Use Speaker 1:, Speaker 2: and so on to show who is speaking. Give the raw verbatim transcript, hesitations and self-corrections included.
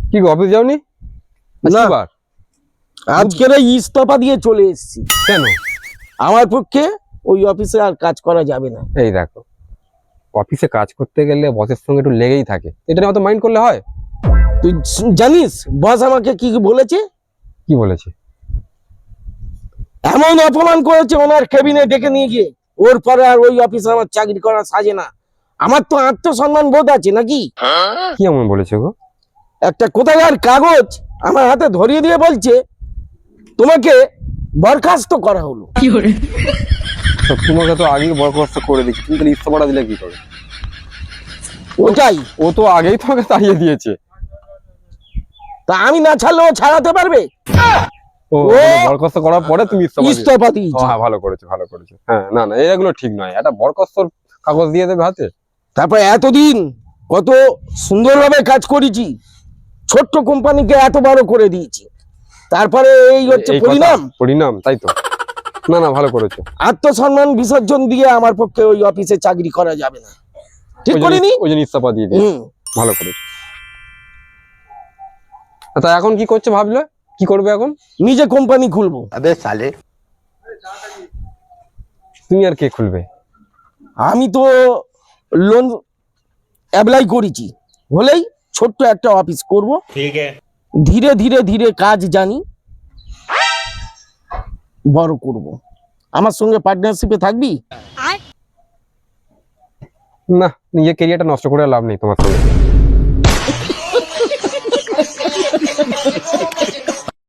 Speaker 1: কি গো অফিস যাওনি?
Speaker 2: না,
Speaker 1: বার
Speaker 2: আজকের এই ইস্তফা দিয়ে চলে এসেছি।
Speaker 1: কেন?
Speaker 2: আমার পক্ষে ওই অফিসে আর কাজ করা যাবে না।
Speaker 1: এই দেখো, অফিসে কাজ করতে গেলে বসের সঙ্গে একটু লেগেই থাকে, এটা নিয়ে অত মাইন্ড করলে হয়?
Speaker 2: তুই জ- জানিস বস আমাকে কি কি বলেছে?
Speaker 1: কি বলেছে?
Speaker 2: এমন অপমান করেছে ওনার কেবিনে ডেকে নিয়ে গিয়ে, ওর পরে আর ওই অফিসে আমার চাকরি করা সাজে না। আমার তো আত্মসম্মান বোধ আছে নাকি?
Speaker 1: কি এমন বলেছে গো?
Speaker 2: একটা কোথাকার কাগজ আমার হাতে ধরিয়ে দিয়ে বলছে তোমাকে বরখাস্ত করা হলো।
Speaker 1: তো তোমাকে তো আগেই বরখাস্ত করে দিচ্ছি, তুমি তাহলে ইস্তফাটা দিলে কি করে?
Speaker 2: ওটাই
Speaker 1: ও তো আগেই তোমাকে তাড়িয়ে দিয়েছে।
Speaker 2: তা আমি না ছাড়লে ও ছাড়াতে পারবে?
Speaker 1: ও
Speaker 2: ও
Speaker 1: বরখাস্ত করার পরে তুমি ইস্তফা দিয়েছো।
Speaker 2: ইস্তফা
Speaker 1: ও
Speaker 2: দিয়েছে।
Speaker 1: হ্যাঁ, ভালো করেছো ভালো করেছো। হ্যাঁ, না না, এগুলো ঠিক নয়। একটা বরখাস্তর কাগজ দিয়ে দেবে হাতে।
Speaker 2: তারপর এতদিন কত সুন্দরভাবে কাজ করেছি, ছোট্ট কোম্পানিকে এত বড় করে দিয়েছি, তারপরে এই হচ্ছে
Speaker 1: এই কথা,
Speaker 2: পরিণাম।
Speaker 1: পরিণাম, তাই তো। না না, ভালো করেছো।
Speaker 2: আত্মসম্মান বিসর্জন দিয়ে আমার পক্ষে ওই অফিসে চাকরি করা যাবে না। ঠিক
Speaker 1: ওই জন্য-
Speaker 2: করিনি?
Speaker 1: ওই জন্য ইস্তফা দিয়ে দিয়েছো।
Speaker 2: হুম।
Speaker 1: ভালো করেছো। তা এখন কি করছো ভাবলে? কি করবে এখন?
Speaker 2: নিজে কোম্পানি খুলবো।
Speaker 3: अबे साले
Speaker 1: তুমি আর কে খুলবে?
Speaker 2: আমি তো লোন অ্যাপ্লাই করেছি, হলেই ছোট্ট একটা অফিস করব।
Speaker 3: ठीक है
Speaker 2: ধীরে ধীরে ধীরে কাজ জানি, বড় করব। আমার সঙ্গে পার্টনারশিপে থাকবি?
Speaker 1: না, নিজের কেরিয়ারটা নষ্ট করে লাভ নেই তোমার সঙ্গে।